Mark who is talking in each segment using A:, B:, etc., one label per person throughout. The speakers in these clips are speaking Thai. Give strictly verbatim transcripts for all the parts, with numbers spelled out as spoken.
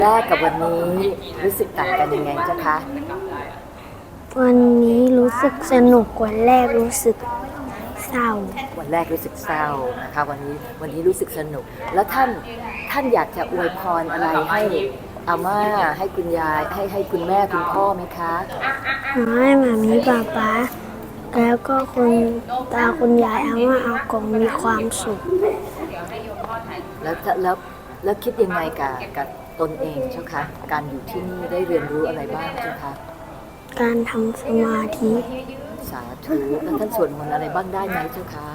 A: แรกกับวันนี้รู้สึกต่างกันยังไงเจ้าคะ
B: วันนี้รู้สึกสนุกกว่าแรกรู้สึกเศร้า
A: วันแรกรู้สึกเศร้านะคะวันนี้วันนี้รู้สึกสนุกแล้วท่านท่านอยากจะอวยพรอะไรให้อาม่าให้คุณยายให้ให้คุณแม่คุณพ่อไหมคะ
B: ขอให้หมามีป๊าป๊าแล้วก็คุณตาคุณยายอาม่าอากงมีความสุข
A: แล้วแล้วแล้วคิดยังไงกับกับตนเองเจ้าคะการอยู่ที่นี่ได้เรียนรู้อะไรบ้างเจ้าคะ
B: การทำสมาธิ
A: สาธุแล้วท่านสวดมนต์อะไรบ้างได้ไหมเจ้าคะ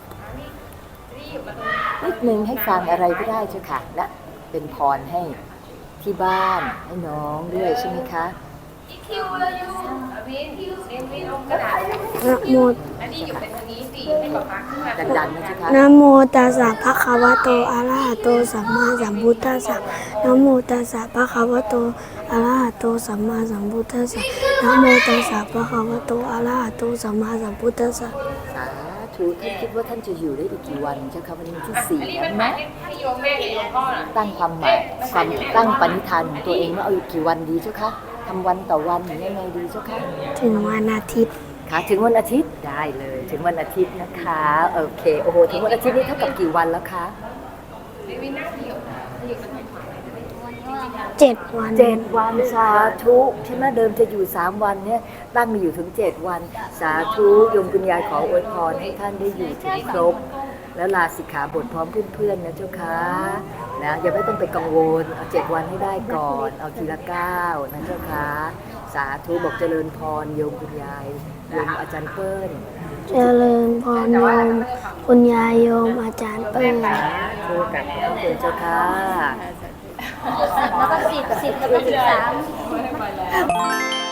A: นิดนึงให้ฟังอะไรก็ได้เจ้าค่ะและเป็นพรให้ที่บ้านให้น้องด้วยใช่ไหมคะ
B: นะโม
A: ดังๆนะเจ้าค่ะ
B: นะโมตัสสะภะคะวะโตอะระหะโตสัมมาสัมพุทธัสสะนะโมตัสสะภะคะวะโตอะระหะโตสัมมาสัมพุทธัสสะนะโมตัสสะภะคะวะโตอะระหะโตสัมมาสัมพุทธัสสะ
A: สาธุท่านคิดว่าท่านจะอยู่ได้อีกกี่วันเจ้าค่ะวันนี้ที่สี่แล้วนะตั้งความหมายความตั้งปณิธานของตัวเองว่าเอาอีกกี่วันดีเจ้าคะทำวันต่อวันหรือยังไงดีเจ้าคะ
B: ถึงวันอาทิตย์
A: ค่ะถึงวันอาทิตย์ได้เลยถึงวันอาทิตย์นะคะโอเคโอ้โหถึงวันอาทิตย์นี้เท่ากับกี่วันแล้วคะ
B: เจ็ดวัน
A: เจ็ดวันสาธุใช่ไหมเดิมจะอยู่สามวันเนี่ยตั้งมาอยู่ถึงเจ็ดวันสาธุโยมคุณยายขออวยพรให้ท่านได้อยู่ถึงครบแล้วลาสิกขาบทพร้อมเพื่อนๆนะเจ้าค่ะนะอย่าไม่ต้องไปกังวลเอาเจ็ดวันให้ได้ก่อนเอาทีละเก้านะเจ้าค่ะสาธุบอกเจริญพรโยมคุณยายโยมอาจารย์เปิ้ล
B: เจริญพรโยมคุณยายโยมอาจารย์เปิ้ล
A: โชว์กับพระคุณเจ้าค่ะ
B: แล้วก็สิบสิบแล้วก็สิบสาม